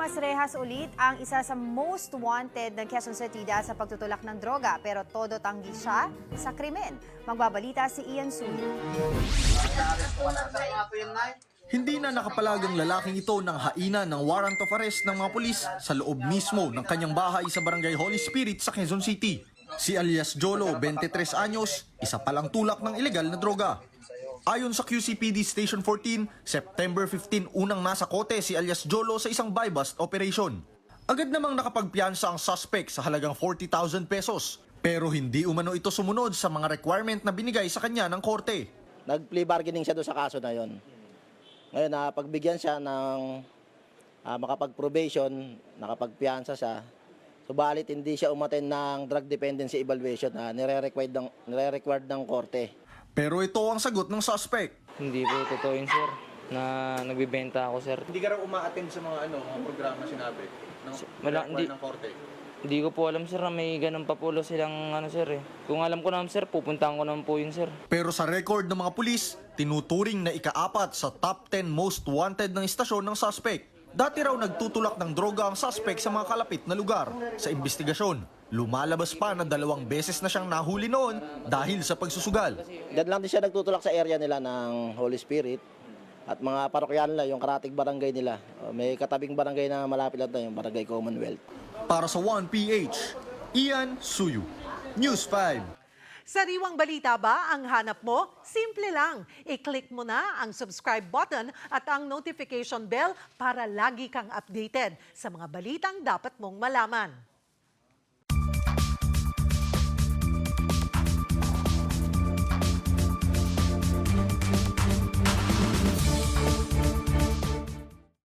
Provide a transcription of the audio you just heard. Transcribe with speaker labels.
Speaker 1: Tomas Rejas ulit ang isa sa most wanted ng Quezon City dahil sa pagtutulak ng droga pero todo tanggi siya sa krimen. Magbabalita si Ian Suyo.
Speaker 2: Hindi na nakapalagang lalaking ito ng haina ng warrant of arrest ng mga pulis sa loob mismo ng kanyang bahay sa Barangay Holy Spirit sa Quezon City. Si alias Jolo, 23 anyos, isa palang tulak ng ilegal na droga. Ayon sa QCPD Station 14, September 15 unang nasa kote si alias Jolo sa isang buy-bust operation. Agad namang nakapagpiyansa ang suspect sa halagang 40,000 pesos. Pero hindi umano ito sumunod sa mga requirement na binigay sa kanya ng korte.
Speaker 3: Nag-plea bargaining siya doon sa kaso na yon. Ngayon, pagbigyan siya ng makapag-probation, nakapagpiyansa siya, subalit hindi siya umattend ng drug dependency evaluation na nire-required ng korte.
Speaker 2: Pero ito ang sagot ng suspect.
Speaker 4: Hindi po totoo yun, sir, na nagbibenta ako, sir.
Speaker 2: Hindi ka raw uma-attend sa mga programa sinabi ng korte?
Speaker 4: Hindi ko po alam, sir, na may ganun pa po silang sir eh. Kung alam ko naman, sir, pupuntahan ko naman po yun, sir.
Speaker 2: Pero sa record ng mga pulis, tinuturing na ika-4 sa top 10 most wanted ng istasyon ng suspect. Dati raw nagtutulak ng droga ang suspect sa mga kalapit na lugar. Sa investigasyon, lumalabas pa na 2 beses na siyang nahuli noon dahil sa pagsusugal.
Speaker 3: Diyan lang din siya nagtutulak sa area nila ng Holy Spirit at mga parokyan nila, yung karatig barangay nila. May katabing barangay na malapit lang yung Barangay Commonwealth.
Speaker 2: Para sa 1PH, Ian Suyu, News 5.
Speaker 5: Sariwang balita ba ang hanap mo? Simple lang. I-click mo na ang subscribe button at ang notification bell para lagi kang updated sa mga balitang dapat mong malaman.